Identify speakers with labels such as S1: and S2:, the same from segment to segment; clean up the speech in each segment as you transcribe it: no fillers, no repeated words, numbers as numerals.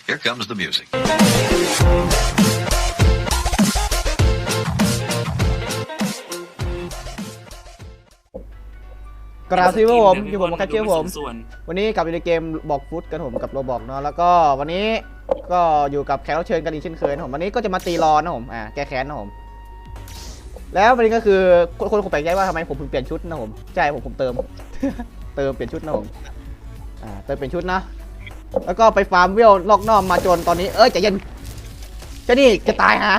S1: Here comes the music.
S2: กราบที่ผมอยู่ผมแคชเชียร์ผม
S3: ส่วน
S2: วันนี้กลับอยู่ในเกมบอกฟุตกันผมกับโรบอกเนาะแล้วก็วันนี้ก็อยู่กับแขกรับเชิญกันอีกเช่นเคยนะผมวันนี้ก็จะมาตีรอนนะผมแก้แค้นนะผมแล้ววันนี้ก็คือคนคงแปลกใจว่าทำไมผมถึงเปลี่ยนชุดนะผมใช่ผมเติม เติมเปลี่ยนชุดนะผมเติมเปลี่ยนชุดนะแล้วก็ไปฟาร์มเวลลอกนอกมาจนตอนนี้ใจเย็นจะนี่จะตายฮะ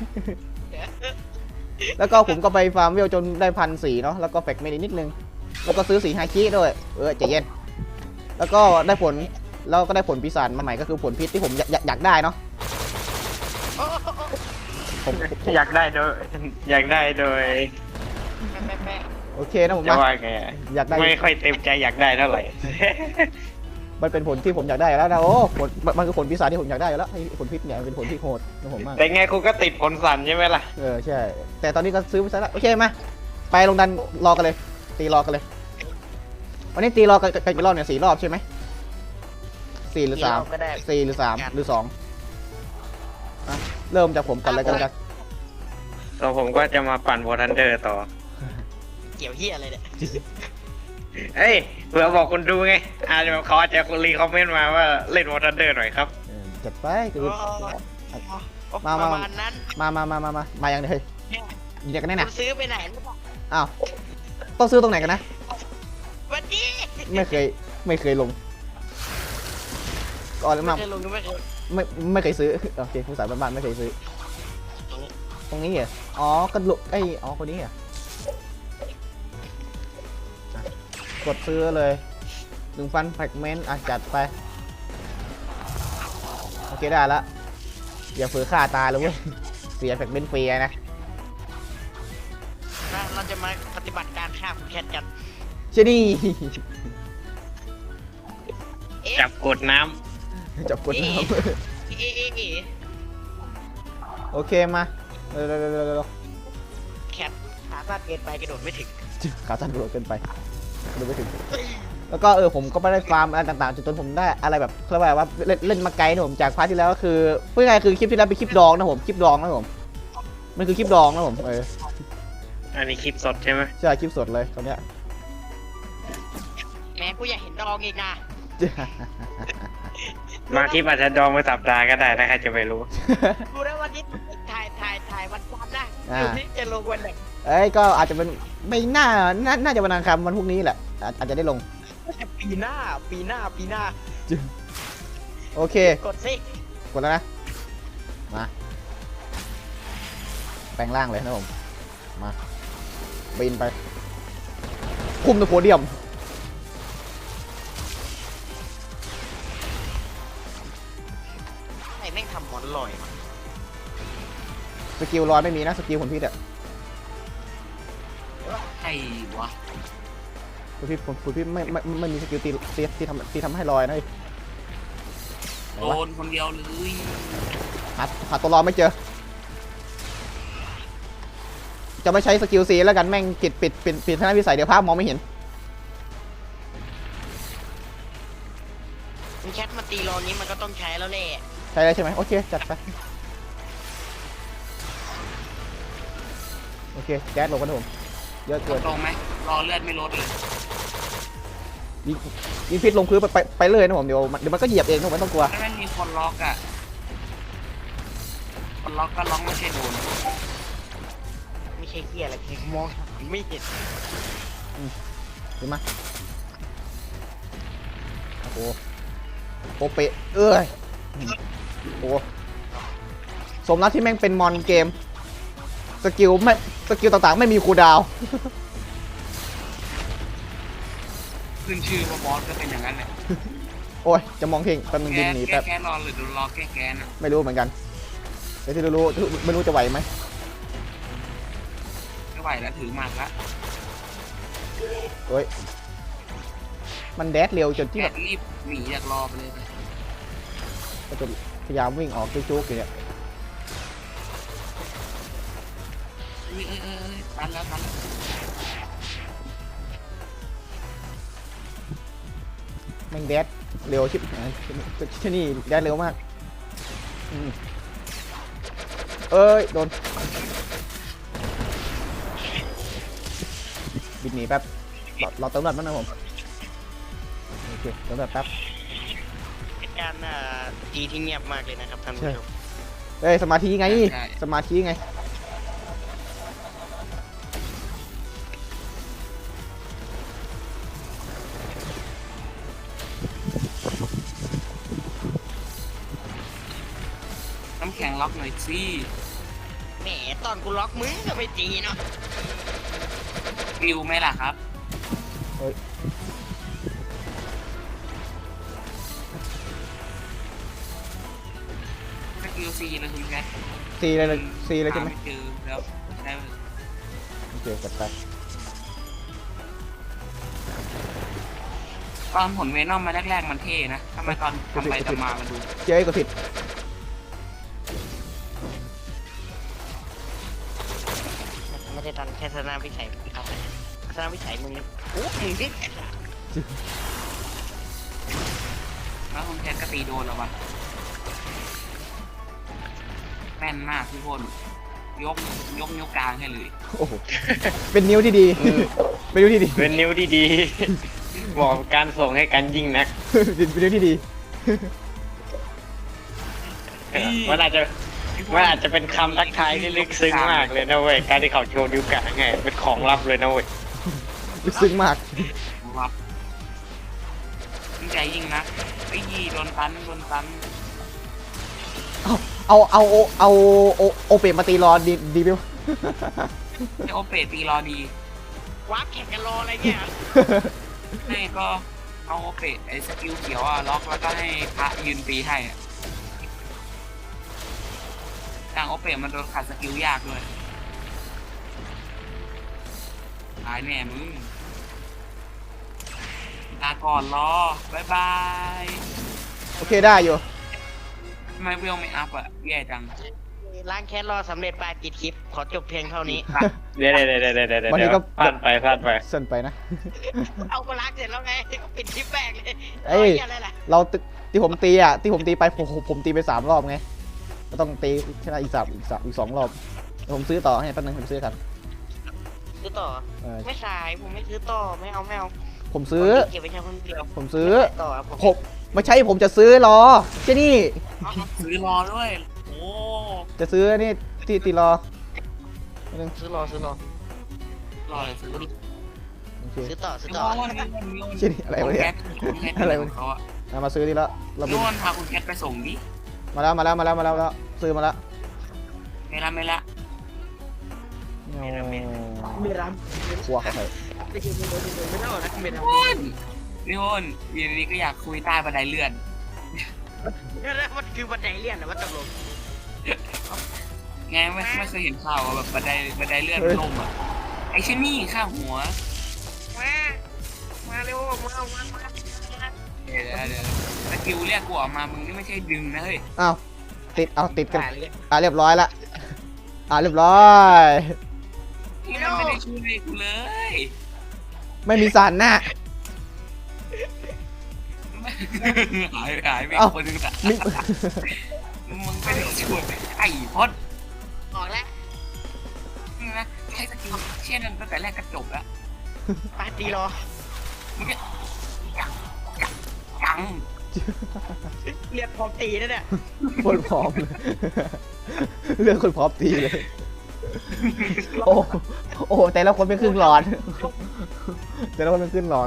S2: แล้วก็ผมก็ไปฟาร์มเวลจนได้1,400เนาะแล้วก็แฟกเมดนิดนึงแล้วก็ซื้อสีฮาคิด้วยใจเย็นแล้วก็ได้ผลแล้วก็ได้ผลปีศาจมาใหม่ก็คือผลพิษที่ผมอยากได้เนาะผม
S4: อยากได้โดย
S2: โอเคนะผม
S4: จะ
S2: นะ
S4: ว่าไง
S2: อยากได้
S4: ไม่ค่อยเต็มใจอยากได้เท่าไหร่
S2: มันเป็นผลที่ผมอยากได้แล้วนะโอ้ผลมันคือผลปีศาจที่ผมอยากได้แล้วไอ้ผลพิษเนี่ยเป็นผลที่โหดนะผมมาก
S4: แต่ไงคุณก็ติดผลสั่นใช่ไหมล่ะ
S2: ใช่แต่ตอนนี้ก็ซื้อไปซะแล้วโอเคมาไปลงดันรอกันเลยตีรอกันเลยวันนี้ตีรอกันกี่รอบเนี่ย4 รอบใช่ไหม4 หรือ 3
S5: ก็ได้
S2: 4 หรือ 3 หรือ 2เริ่มจากผมก่อนเลยกันกัน
S4: แล้วผมก็จะมาปั่นโวทันเดอร์ต่อ
S5: เกี่ยวเฮียอะไรเนี่ย
S4: เฮ้ยเผื่อบอกคนดูไงอาจจะเขาอาจจะรีคอมเมนต์มาว่าเล่นโวทันเดอร์หน่อยครับ
S2: จัดไปคือ
S5: ประ
S2: มา
S5: มาณนั้น
S2: มาอย่างเดียวยิงกันแน่
S5: คุ
S2: นะ
S5: ณซื้อไปไหนหรือเปล่า
S2: อ้าวต้องซื้อตรงไหนกันนะ
S5: วันนี้
S2: ไม่เคยลงก่อนเลยมา
S5: ไม่เคยลงไม่เคย
S2: ไม่เคยซื้อโอเคผู้สายบ้านๆไม่เคยซื้อตรงนี้เหรออ๋อกระโดดคนนี้เหรอกดซื้อเลย1,000แฟกเมนต์จัดไปโอเคได้แล้วอย่าฝืนฆ่าตายเลยเว้ยเสียแฟกเมนต์ฟรีนะ
S5: เราจะมาปฏิบัติการฆ่าคุณแคทกัน
S2: เจนี่
S4: จับกดน้
S2: จับกดน้ำ
S5: เอ๊ะ
S2: โอเคมาเร็ว
S5: แคทขาสั้นเกินไปกระโดดไม่ถึง
S2: ขาสั้นกระโดดเกินไปดูไม่ถึงแล้วก็ผมก็ไปได้ฟาร์มอะไรต่างๆจนผมได้อะไรแบบเรียกว่าเล่นมาไกลนะผมจากพาร์ทที่แล้วก็คือพูดง่ายๆคือคลิปที่แล้วเป็นคลิปดองนะผมคลิปดองนะผมมันคือคลิปดองนะผม
S4: ำอันนี้คลิปสดใช่ไหม
S2: ใช่คลิปสดเลยตอนเนี้ย
S5: แหมกูอยากเห็นดองอีกนะ
S4: มาคลิปอาจจะดองไปสัปดาห์ก็ได้ถ้าใครจะไปรู้
S5: ดูนะวันนี้ถ่ายวันจันทร์นะอยู่ที่จะลงวันไหน
S2: ก็อาจจะเป็นไม่น่าจะวันอังคารวันพรุ่งนี้แหละอาจจะได้ลง
S5: ปีหน้า
S2: โอเค
S5: กดสิ
S2: กดแล้วนะมาแปลงร่างเลยนะผมมาบินไปคุมตัวโพเดียม
S5: ไอ้แม่งทำหมอนลอยมา
S2: สกิลร้อยไม่มีนะสกิลผลพิษอะ
S3: ไอ้วะ
S2: ผลพิษไม่มีสกิลตีทำให้ลอยนะเฮ้ย
S3: โดนคนเดียวเลย
S2: หาตัวรอไม่เจอจะไม่ใช้สกิลซีแล้วกันแม่งปิดทางวิสัยเดี๋ยวภาพมองไม่เห็น
S5: คุณแคทมาตีรอนี้มันก็ต้องใช้แล้วแหละ
S2: ใช่ได้ใช่ไหมโอเคจัดไปโอเคแก๊สลงกันนะผมเยอะเกิน
S3: ตรงไหมรอเลือดไม่ลดเลย
S2: ยิงพิษลงพื้นไปเลยนะผมเดี๋ยวมันก็เหยียบเองนะผมไม่ต้องกลัว
S3: ถ้ามันมีคนล็อกอ่ะคนล็อกก็ล็อกไม่ใช่โดน
S5: ไม่ใช่เฮียอะไรผมมองหาไม่เห็น
S2: เห็นไหมโอ้โหโปเปะโอ้สมแล้วที่แม่งเป็นมอนเกมสกิลต่างๆไม่มีคูลดาวน์
S3: ขึ้นชื่อว่าบอสก็เป็นอย่างนั้นเลย
S2: โอ้ยจะมองเพ่งแป๊บนึงดินหนี
S3: แก้
S2: แป๊บ
S3: แก้รอหรือดูรอแก้แกนอ่ะ
S2: ไม่รู้เหมือนกันแต่ที่รู้ไม่รู้จะไหวไหม
S3: ไม่ไหวแล้วถือหมากละ
S2: เฮ้ยมันแดดเร็วจนที่
S3: แก
S2: แบบ
S3: รีบหนีจากรอไปเลย
S2: ก็จะพยายามวิ่งออกจุกๆอยู่เนี่ย
S3: ตันแล้ว
S2: แม่งแดดเร็วชิบหายที่นี่แดดเร็วมากอืมเอ้ยโดนบินหนีแป๊บเราเติมแบบนั้นนะผมโอเคเติมแบบแป๊บ
S5: เป็นการตีที่เงียบมากเลยนะครับท่านผู้ชม
S2: เอ้ยสมาธิไงสมาธิไง
S3: น้ำแข็งล็อกหน่อยสิ
S5: แหมตอนกูล็อกมึงก็ไปตีเนาะ
S3: ฟิวไหมล่ะครับ
S2: เฮ้ย
S3: สกิลซีเลยคุณแคท
S2: ซีเลยซีเลยใช่ไหม
S3: าเจอแล้วได้
S2: โอเคจัดไป
S3: ตอนผลเวนอมมาแรกๆมันเท่นะทำไมตอนทำไปทำมามันดู
S2: เจ๊ก็ผิด
S5: ไม่ได้ดันแค่ทัศนวิสัยครับทัศนวิสัยมึงโอ้มึงดิ
S3: แล้วคุณแคทก็ตีโดนแล้ววะแม่นมากทุกคนยกนิ้วกลางให้เลย
S2: โอ้โหเป็นนิ้วที่ดีเป็นนิ้วที่ดี
S4: เป็นนิ้วที่ดี บอกการส่งให้กันยิ่งนัก
S2: เป็นนิ้วที่ดี
S4: มันอาจจะเป็นคำทักทายที่ลึกซึ้งมากเลยนะเว้ยการที่เขาโชว์นิ้วกลางไงเป็นของลับเลยนะเว้ย
S2: ลึกซึ้งมาก
S3: ครับยิ่งใจยิ่งนะไอ้ยี่โดนตัน
S2: เอาโอเปะมาตีรอดีไหมวะ
S3: ไอโอเปตีรอดี
S5: วาร์ปแข่งกันรออะไรเงี้ย
S3: ให้ก็เอาโอเปไอสกิลเขียวอะล็อกแล้วก็ให้พระยืนตีให้อะต่างโอเปมันโดนขัดสกิลยากด้วยตายแน่มึงลาก่อนรอบายบาย
S2: โอเคได้อยู่
S3: ทำไมเวลไม่อัพอะแย่จัง
S5: ล้างแค้นรอสำเร็จไปปิดคลิปขอจบเพียงเท่านี้
S4: เดี๋ยวพลาดไป
S2: เส้นไปนะ
S5: เอาก็ล้างเสร็จแล้วไงก็ปิดคลิปแบกเลย
S2: เอ้ย
S5: อะไรล่ะ
S2: เราที่ผมตีไปผมตีไป3 รอบไงก็ต้องตีชนะอีก2 รอบเดี๋ยวผมซื้อต่อให้แป๊บนึงผมซื้อครับ
S5: ซื้อต่อ ไม่ขายผมไม่ซื้อต่อไม่เอา
S2: ผมซื้อ
S5: เก็บไว้ใช้คนเดียว
S2: ผมซื้อ
S5: ต่อผม
S2: ผมไม่ใช่ผมจะซื้อรอเจนี่
S3: ซื้อรอด้วยโอ้
S2: จะซื้อนี่ที่ตีรอแป๊บนึง
S5: ซื้อรอ
S3: รอเลยซื้อ
S2: โอเค
S5: ซื้อต่อ
S2: เจนี่อะไรวะเนี่ยอะไรวะ
S3: เขาอะ
S2: มาซื้อดีแล้วเราบิน
S3: โน่นพาคุณแคทไปส่งดิ
S2: มาแล้วซื้อมาแล้ว
S3: ไม่ละ
S5: ไม่รับ
S2: กลัวเขาใคร
S5: ไม่ใช่ไม่เล่านะไม่เล่า
S3: พี่โอนอยู่ดีๆก็อยากคุยใต้บันไดเลื่อน
S5: มันคือบันไดเลื่อนนะว่าตกลง
S3: ไงไม่เคยเห็นข่าวอะแบบบันไดเลื่อนมันล่มอ่ะไอ้เชนนี่ข้างหัว
S5: มาเร็วมา
S3: เดี๋ยวสกิลเรียกกูออกมามึงนี่ไม่ใช่ดึงนะเฮ้ย
S2: อ้าวติดกันเรียบร้อยละเรียบร้อย
S3: นี่มันไม่ได้ช่วยกูเลย
S2: ไม่มีสารหน้า
S3: หายไป
S2: เอ้า
S3: คนนึงอะ
S2: มิ
S3: มึงไม่ได้ช่วยไอ้พด
S5: ออกแล้ว
S3: นะใช้สกิลเชี่ยนั่นตั้งแต่แรกก็จบแล้ว
S5: ปาตีรอ
S3: มึงก็ยัง
S5: เรียกพร้อมตีนั่นแหละ
S2: คนพร้อมเลยเรื่องคนพร้อมตีเลยโอ้แต่ละคนเป็นครึ่งหลอดแต่ละคนเป็นครึ่งหลอด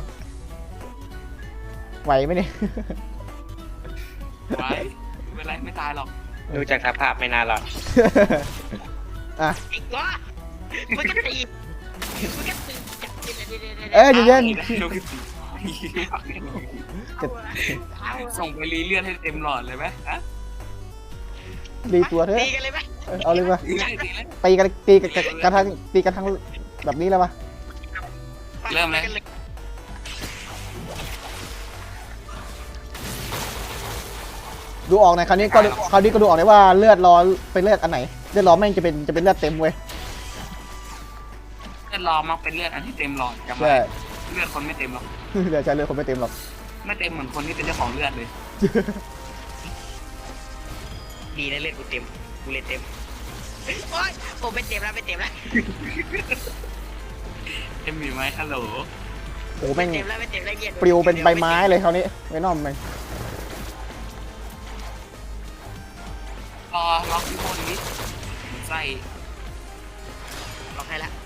S2: ไหวไหมเนี่ย
S3: ไว้ไม่เป็นไรไม่ตายหรอก
S4: ดูจากสภาพไม่น่ารอด
S2: อ่ะ
S5: อีกวะมันก็ตี
S2: เอ้ยเย็น
S3: ลูกที่สี่ส่งไปรีเลื่อนให้เต็มหลอดเลยไหมฮะ
S2: รีตัวเถอะ
S5: ตีกันเลยไหม
S2: เอาเลยมา
S3: ตีเลย
S2: ตีกันทั้งแบบนี้แล้วปะ
S3: เริ่มเลย
S2: ดูออกหน่อยคราวนี้ก็ดูออกเลยว่าเลือดรอเป็นเลือดอันไหนเลือดรอแม่งจะเป็นเลือดเต็มเว้ย
S3: เลือดรอมักเป็นเลือดอันที่เต็มหลอดจำไว้
S2: ใช่
S3: เลือดคนไม่เต็มหรอก
S2: เลือดใช่เลือดคนไม่เต็มหรอก
S3: ไม่เต็มเหมือนคนที่เป็นเจ้าของเลือดเลย
S5: ดีนะเล่นกูเต็มกูเล่นเต็มโอ๊ยผมไม่เต็มแล้วไม่เต็มแล้ว
S3: เอ็มมีไหมฮัลโหล
S2: โอ้แม่ง
S5: เต็มแล้วไม่เต็มแล้วเย็น
S2: ปลิวเป็นใบไม้เลยคราวนี้ไว้นอมมัน
S3: รอล็อกที่บนนี้ใส่
S5: ล็อกให้ละ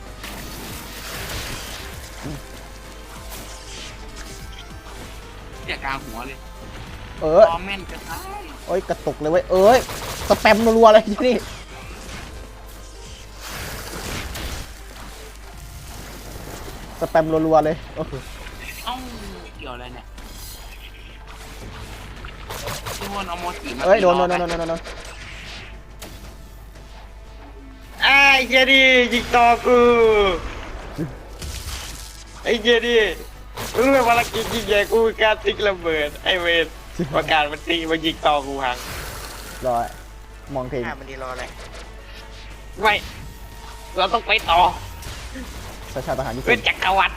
S3: อย่ากลางหัวเลย
S2: เออ
S3: รอแม่นจะตาย
S2: โอ้ยกระตุกเลยเว้ยเอ้ยสแปมรัวๆเลยที่นี่สแปมรัวๆเลยโอ้โห
S3: เอ้าเกี่ยวอะไรเนี่ยที่วนเอาโมจิมา
S2: เอ้ยโดน
S3: ตี
S2: โด
S3: รอน
S2: โดนโดนโดน
S4: ไอ้เจดียิงต่อกูไอ้เจดีรู้ไหมภารกิจยิงใหญ่กูการติ๊กระเบิดไอ้เวรประกาศมันตีมันยิงต่อกูหัง
S2: รอมองเพลง
S5: มันดีรออะไร
S4: ไม่เราต้องไปต่อ
S2: ชาติทหารญี่
S4: เป็
S2: ปุ่
S4: น
S2: น
S4: จักรวรรดิ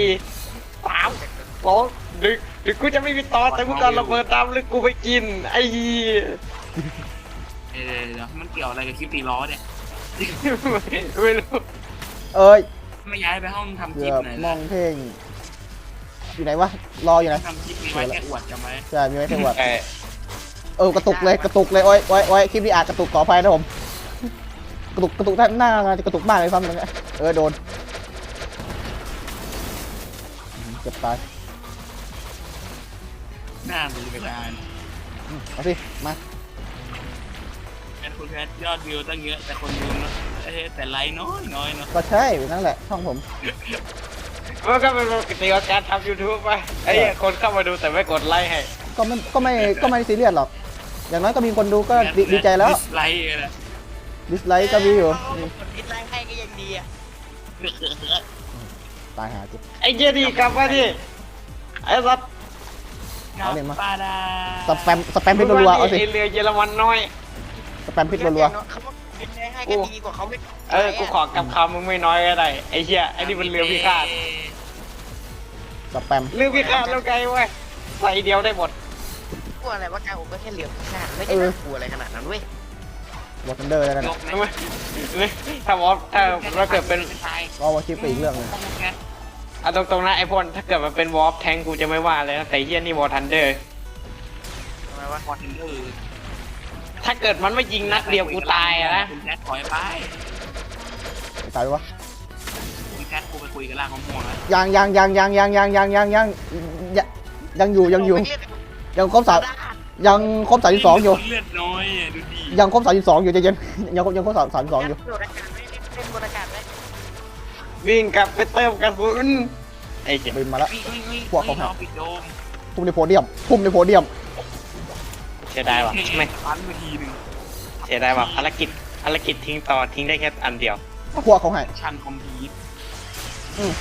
S4: 4 3 2 1ดึกกูจะไม่มีต่อแต่กูจะระเบิดตามหรือกูไปกินไอ้เหี้ย
S3: เดี๋ยวมันเกี่ยวอะไรกับคลิปตีล้อเนี่ย
S4: ไม่รู้
S2: เอ้ย
S3: ไม่ย้ายไปห้องทำค
S2: เกื
S3: ลิป
S2: อบ
S3: หน่อย
S2: ม
S3: นะ
S2: องเพลงอยู่ไหนวะรออยู่ไหน
S3: ทำคลิปมีไว้แค่อวดจำไว้
S2: ใช่มีไว้จังหวัด
S4: ไอ้
S2: กระตุกเลยโอ้ยโอ้ยคลิปนี้อาจกระตุกขออภัยนะผมกระตุกท่านหน้างานจะกระตุกมากเลยซ้ำเลยโดนเจ็บตาย
S3: หน้าดูกระดาน
S2: เอาสิมา
S3: แอดคุณแพทยอดวิวตั้งเยอะแต่คนดูนะแต่ไลค์น้อยเนาะ
S2: ก็ใช่นั่นแหละช่องผม
S4: มันก็เป็นปกติของการทำ YouTube ไปไอ้เหี้ยคนเข้ามาดูแต่ไม่กดไลค์ให้
S2: ก็ไม่ซีเรียสหรอกอย่างน้อยก็มีคนดูก็ดีใจแล้ว
S3: ไลค์เลย
S2: ดิสไลค์ก็มีอยู่
S5: กดดิสไลค์ให้ก็ยังดีอ่ะ
S2: ตายหาจิ
S4: ไอ้เจดีกลับมาดิไอ้สัตว์
S2: เอาเลยมา
S3: ปาดา
S2: สแปมพิษรัวๆเอาสิ
S4: ไอ้เรือเยอรมันน้อย
S2: สแปมพิษรัว
S5: เขาบอกดิสไลค์ให้ก็ดีกว่าเขาไม่
S4: กูขอกับคำมึงไม่น้อยก็ได้ไอ้เหี้ยไอ้นี่มันเรือพิฆาต
S2: ๆสแปม
S4: เรือพิฆาตแล้วไงเว้ยใส่เดียวได้หมด
S5: กลัวอะไรว่าการผมก็แค่เหลือขนาดไม่ได้น่ากลัวอะไรขนาดนั้นเว้ยว
S2: อร์ทันเดอร์แล้วนะ
S3: ยกไหม
S4: ทำไมถ้าวอฟถ้าเกิดเป็น
S3: ตาย
S2: ก็ว่าคลิปไปอีกเรื่องหนึง
S4: เอาตรงๆนะไอ้พลถ้าเกิดมันเป็นวอฟแทงกูจะไม่ว่าเลยนะแต่เหี้ยนี่วอทันเดอร์
S5: ทำไมวะ
S3: พอเทนเดอร์
S4: ถ้าเกิดมันไม่ยิงนัดเดียวกูตายอะนะ
S3: คุณแคทถอยไป
S2: ตายไปวะ
S3: คุณแคทกูไปคุยกับล่างของม่วงแล้ว
S2: ยังอยู่ยังครบยังครบ32อยู่
S3: เลือดน้อยดูดี
S2: ยังครบ32อยู่ใจเย็นยังครบ32อยู่
S5: โดดอากาศไว้เล่นบนอากาศไว้
S4: วิ่งกลับไปเติมกระสุนไอ้เหี้ย
S2: บินมาแล้ว พวกเขา
S3: เราปิดโดม
S2: พุ่มในโพเดียม
S4: เสียดายว่ะไม่
S3: ฟันมาทีหนึ่ง
S4: เสียดายว่ะภารกิจทิ้งต่อทิ้งได้แค่อันเดียว
S2: พวกเขาให้
S3: ชันคอมพีท
S2: อืม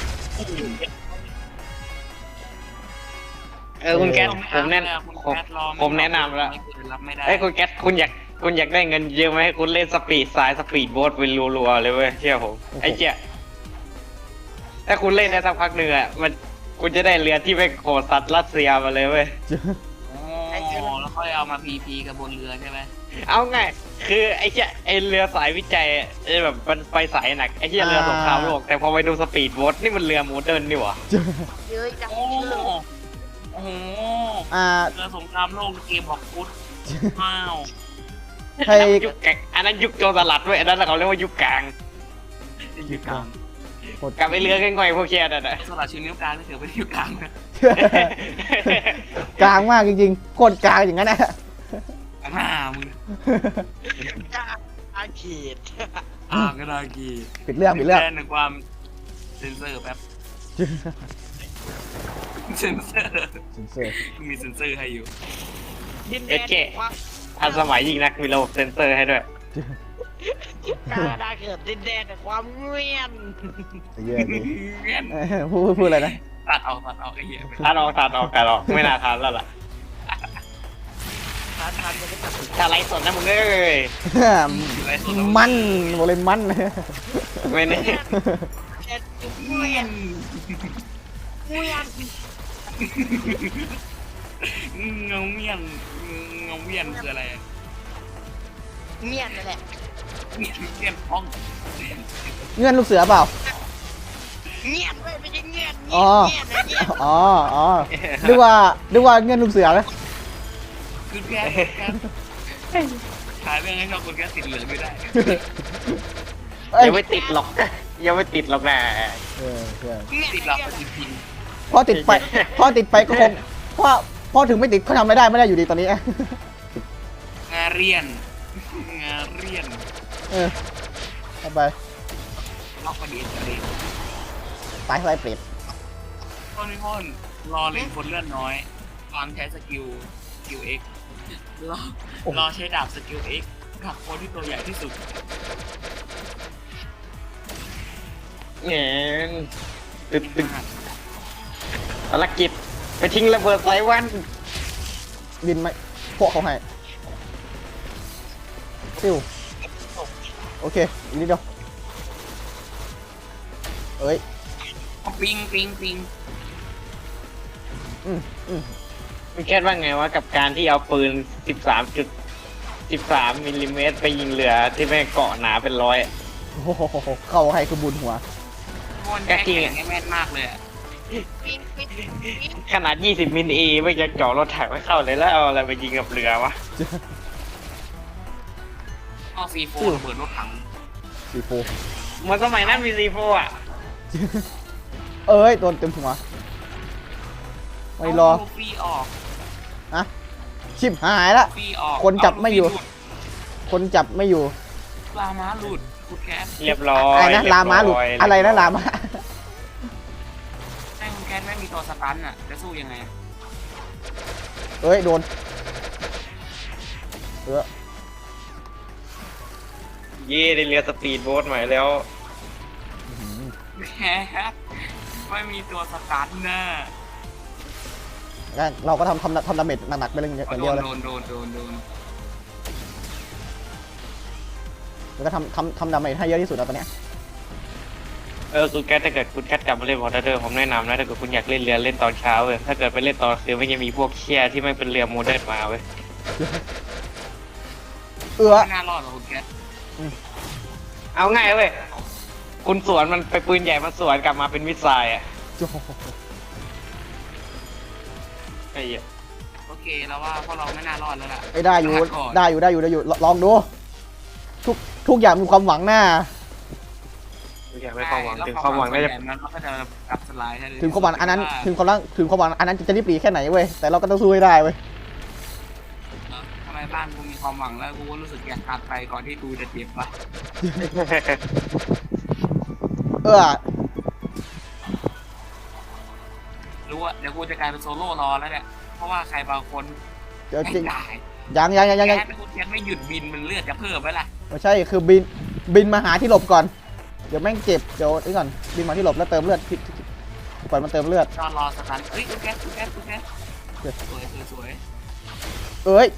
S4: คุณแก๊สผมแนะ
S3: คุณแคทรอ
S4: ผมแนะนำแล้ว
S3: รับไม่ได้
S4: ไอ้ยคุณแก๊สคุณอยากได้เงินเยอะไหมให้คุณเล่นสปีดสายสปีดโบ๊ทเป็นรัวๆเลยเว้ยเชื่อผมไอ้เจ๊ยถ้าคุณเล่นได้สักพักหนึ่งอ่ะมันคุณจะได้เรือที่ไปโขดสัตว์รัสเซียมาเลยเว้ย
S3: อ๋อแล้วค่อยเอามาพีกับบนเรือใช่ไหม
S4: เอาไงคือไอ้เจ๊ยไอ้เรือสายวิจัยไอ้แบบมันไปสายหนักไอ้เจ๊ยเรือสงครามโลกแต่พอไปดูสปีดโบ๊ทนี่มันเรือโมเดิร์นนี่หว่า
S5: เย้ยจัง
S3: โอ้โห เรือสงครามโลกเกมบอกฟุตว้าว
S2: ให้
S4: ยุคแกงอันนั้นยุคโจรสลัดเว้ยอันนั้นเขาเรียกว่ายุคกลาง
S3: อยู่กลาง
S4: กลับไปเรือง่อยๆพวกเชียร์นั่นน่ะ
S3: สลัดชิ้นนิ้วกลางนี่ถือเป็นอยู่กลางนะ
S2: กลางมากจริงๆโคตรกลางอย่างนั้นนะ
S3: หน้ามึง
S5: อาเขต
S3: ก็ได้กี
S2: ปิดเรื่อง
S3: แทนในความเซนเซอร์แป๊บเซนเซอร์มีเซนเซอร์ให้อยู่
S5: ดินแดนความ
S4: ทันสมัยยิ่งนักมีระบบเซ็นเซอร์ให้ด้วย
S5: กาดาเกิดดินแดนแต่ความเงียบ
S2: เยอะดิ
S3: เงี้ย
S2: พูดอะไรนะ
S3: ตัดออกไอ้เหี้ย
S4: ทานออกไม่น่าทานแล้วล่ะ
S5: ทานจะไม่ตัด
S4: ถ้าไรสดนะมึงเอ้ย
S2: มันบอกเลยมัน
S4: ไม่แน่
S5: เอ็ดเงียบเงียบ
S3: เงาเมียนคืออะไร
S5: เงียบนั่นแหละ
S3: เงียบห้อง
S2: เงื่อนลูกเสือเปล่า
S5: เงียบเว้ยไม่ใช่เงียบ
S2: อ๋อ
S5: เงียบนะเงียบ
S2: อ๋อนึกว่าเงื่อนลูกเสือไหม
S3: คุณแกขายเรื่องให้ชอบคุณแกติดเหลืองไม่ได้
S2: เอ้ย
S4: ยังไม่ติดหรอกยังไม่ติดหรอกนะ
S2: เออ
S5: เงียบ
S3: ติดหลอกจริง
S2: พอติดไปก็คงพอถึงไม่ติดเขาทำไม่ได้อยู่ดีตอนนี้
S3: ๆงาเรียน
S2: เออเอาไป
S3: ล็อกประเด็นประเด็น
S2: ตายไรเปรต
S3: พ่นรอเล่นคนเลื่อนน้อยตอนใช้สกิลเอ็กรอใช้ดาบสกิลเอ็กกับคนที่ตัวใหญ่ที่สุด
S4: เงี้ยตึ๊ดภารกิจไปทิ้งระเบิดไซวัน
S2: บินไหมพวกเขาให้ซิวโอเคอีกนิดเดียวเอ้ย
S3: ปิง
S4: มึงคิดว่าไงวะกับการที่เอาปืน 13 มิลลิเมตรไปยิงเรือที่แม่งเกาะหนาเป็นร้อย
S2: โอ้โหเข้าให้คือบุญหัว
S3: พ่นแข็งแม่นมากเลย
S5: ปิ๊งปิ๊งปิ๊ง
S4: ขนาด 20 มิลไม่จะเจาะรถถังไม่เข้าเลยแล้วเอาอะไรไปยิงกับเรือวะ
S3: ก็ซีโฟระเบิดรถถัง
S2: สีโฟ
S4: เหมันสมัยนั้นมีซีโฟอ่ะ
S2: เอ้ยโดนเต็มหัวไม่รอ
S3: ฟรีออก
S2: อะชิบหายละ
S3: ฟรีออก
S2: คนจับไม่อยู่ คนจับไม่อยู่
S3: ลาม้าหลุดคุณแคส
S4: เรียบร้อย
S2: อะไรนะลาม้าหลุดอะไรนะลาม้า
S3: ให้คุณแคสไม่มีตัวสตันอ่ะจะสู้ยังไง
S2: เอ้ยโดนเออ
S4: เย่ได้เรือสปีดโบ๊ทใหม่แล้ว
S3: แคสไม่มีตัวสตันน่ะ
S2: งั้นเราก็ทำดาเมจหนักๆไปเลยอย่างเดียวเลย
S3: โดน
S2: แล้วก็ทำดาเมจให้เยอะที่สุดแล้วตอนเนี้ย
S4: คุณแคทถ้าเกิดคุณแคทกลับมาเล่นวอเตอร์เดอร์ผมแนะนำนะถ้าเกิดคุณอยากเล่นเรือเล่นตอนเช้าเว้ยถ้าเกิดไปเล่นตอนคืนไม่จะมีพวกเชี่ยที่ไม่เป็นเรือโมเดิร์นมาเว้ย
S3: ไม่น่ารอดหรอกคุณแคส
S4: เอาง่ายเว้ยคุณสวนมันไปปืนใหญ่มาสวนกลับมาเป็นมิสไซล์อ่ะ
S2: โอ้โห
S4: ไอ้เหี้ย
S3: โอเคแล้วว่าพวกเราไม่น่ารอดแล้วล่ะ
S2: ไอ้ได้อยู่ลองดูทุกอย่างมีความหวังหน้า
S4: ไม่อยากให้ความหวังถึงความหวังได้จะ
S3: มันก็จะกลับสไลด์ให้
S2: ถึงความหวังอันนั้นถึงความหวังอันนั้นจะรีบหลีแค่ไหนเว้ยแต่เราก็ต้องสู้ให้ได้เว้ย
S3: ทำไมบ้านกูมีความหวังแล้วกูก็รู้สึกอยากตัดไปก่อนที่กูจะเจ็บวะ
S2: เออ
S3: รู้ว่าเดี๋ยวกูจะกลายเป็นโซโล่รอแล้วเนี่ยเพราะว่าใครบางคน
S2: เดี๋ยว
S3: ไม่
S2: จริง
S3: ได้
S2: ยัง
S3: แค่กูยังไม่หยุดบินมันเลือดจะเพิ่มไหมล่ะ
S2: ไม่ใช่คือบินมาหาที่หลบก่อนเดี๋ยวแม่งเจ็บเดี๋ยวนี่ก่อนบินมาที่หลบแล้วเติมเลือดปล่อยมันเติมเลือด
S3: จอรอสตันเอ้ยกูแก๊สสวย
S2: เอ้ย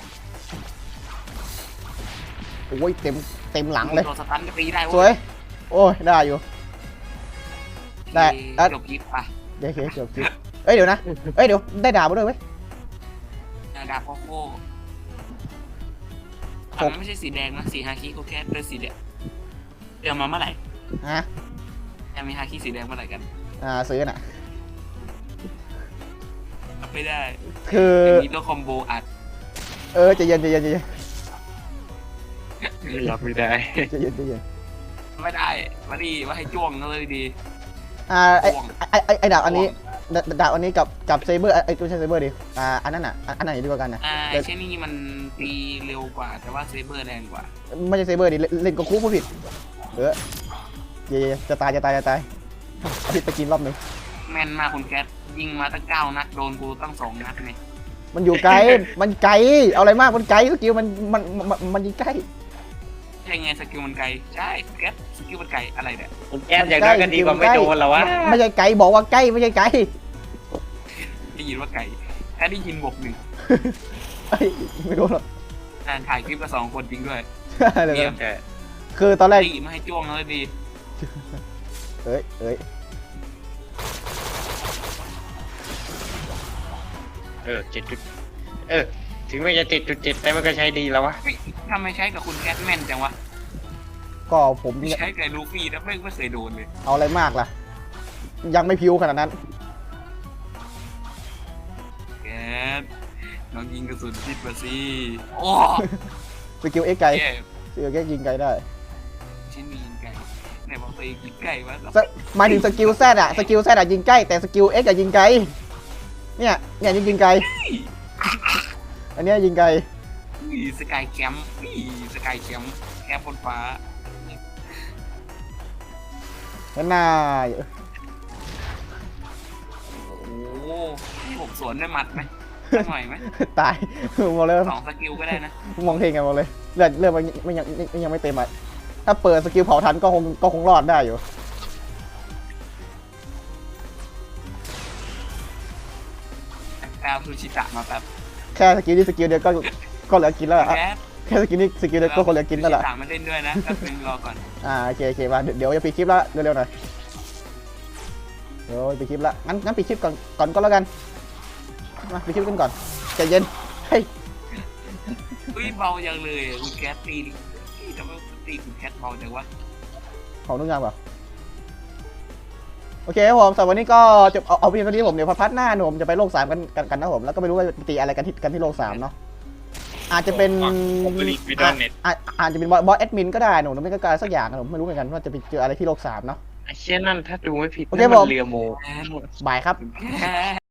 S2: โอ้ยเต็มหลังเลย
S3: ตัวสตันก็ตีได้
S2: สวยโอ้ยได้อยู่ ได้
S3: จบคลิปป่ะ
S2: เดี๋ยวเกือบคิดเอ้ยเดี๋ยวนะเอ้ยเดี๋ยวได้ดาบมาด้วยเว้ย
S3: ดาบโคโค่มันไม่ใช่สีแดงนะสีฮาคิกูแค่เป็นสีแดงเดี๋ยวมาเมื่อไหร่
S2: ฮะ
S3: จะมีฮาคิสีแดงเมื่อไหร่กัน
S2: ซื้อน่ะ
S3: ไม่ได้
S2: คือ
S3: มีตัวคอมโบอัด
S2: ใจเย็น
S4: รับไม่ได้
S3: ไม่ได้มาดีมาให้จ้วงเลยดี
S2: ไอ้ดาบอันนี้ดาบอันนี้กับเซเบอร์ไอ้ตัวใช้เซเบอร์ดิอันนั้นอ่ะอันไหนดีกว่ากันนะ
S3: เช่นนี้มันตีเร็วกว่าแต่ว่าเซเบอร์แรงกว่า
S2: ไม่ใช่เซเบอร์ดิเล่นก็คู่ผู้ผิดจะตายเอาผิดไปกินรอบนึง
S3: แม่นมากคุณแก๊สยิงมาตั้ง9 นัดโดนกูตั้ง2 นัดเนี่ย
S2: มันอยู่ไกลมันไกลเอาอะไรมากมันไกลสกิลมันยิงใกล้
S3: ใช่ไงสกิลมันไกลใช่แก๊สสกิลมันไกลอะไรเนี่ย
S4: คุณแก๊สอย่างน้อยก็ดีกว่าไม่โดนหรอวะ
S2: ไม่ใช่ไกลบอกว่าใกล้ไม่ใช่ไกล
S3: ได้ยินว่าไกลแค่ได้ยินบวก1
S2: ไม่รู้หรอก
S3: ถ่ายคลิปกับ2 คนจริงด้วย
S2: เยี่ยมคือตอนแรก
S3: ตีมาให้จ้วงเลยดี
S2: เอ้ย
S4: 7 จุดถึงไม่จะ7.7แต่มันก็ใช้ดีแล้ววะ
S3: นทำไมใช้กับคุณแคทแมนจังวะ
S2: ก็ผม
S3: ใช้กับลูฟี่แล้วไม่เคยโดนเลย
S2: เอาอะไรมากล่ะ ยังไม่พิวขนาดนั้น
S3: แคทน้องยิงกระสุนผิดมาสิโอ้
S2: สกิลเอ็กไกล
S3: แย่
S2: สกิลเอ็กยิงไกลได้
S3: ชิ้นมียิงไก่ไหนบอกตัวเองยิงไก่วะ
S2: หมายถึงสกิลแซดอะสกิลแซดอะยิงใกล้แต่สกิลเอ็กอะยิงไกลเนี่ยยิงไกลอันเนี้ยยิงไกล
S3: สกายแคมป์สกายแคมป์แคมป์บนฟ้า
S2: นั่นน่า
S3: โอ้โหให้ผมสวนด้วยหมัดไหมสักหน่อยไหม
S2: ตายบอกเลย
S3: 2 สกิลก็ได้นะ
S2: มองเทงกันบอกเลยเลือดมันยังไม่เต็มอ่ะถ้าเปิดสกิลเผาทันก็คงรอดได้อยู่
S3: แปลซูชิตะมาแป๊บ
S2: แค่สกิลนี้สกิลเดียวก็เหลือกินแล้วอะ
S3: แคท
S2: แค่สกิลนี้สกิลเดียวก็คนเหลือกินแล้วล่ะ
S3: ซูชิตะมาเล่นด้วยนะแป๊บนึงรอก่อน
S2: โอเคมาเดี๋ยวจะปิดคลิปแล้วเร็วๆหน่อยเดี๋ยวปิดคลิปละงั้นปิดคลิปก่อนก็แล้วกันมาปิดคลิปกันก่อนใจเย็นเฮ้ย
S3: อุ้ยเบาจังเลยอะคุณแคทตีทำไมตีคุณแคทเบาจังวะ
S2: ของนุ่งยางเปล่าโอเคครับผมสำหรับวันนี้ก็จะเอาเพียงเท่านี้ผมเดี๋ยวพาร์ทหน้าผมจะไปโลก 3กันนะผมแล้วก็ไม่รู้ว่าตีอะไรกันที่โลก 3เนาะอาจจะเป็นอาจจะเป็นบอสแอดมินก็ได้หนูไม่ก็การสักอย่างนะผมไม่รู้เหมือนกันว่าจะไปเจออะไรที่โลก 3เนาะ
S4: ไอ้เชี่ยนั่นถ้าดูไม่ผิด
S2: โอเค
S4: นั่น
S2: ผ
S4: มั
S2: ม
S4: นเรือโม
S2: บายครับ
S3: คุณแคท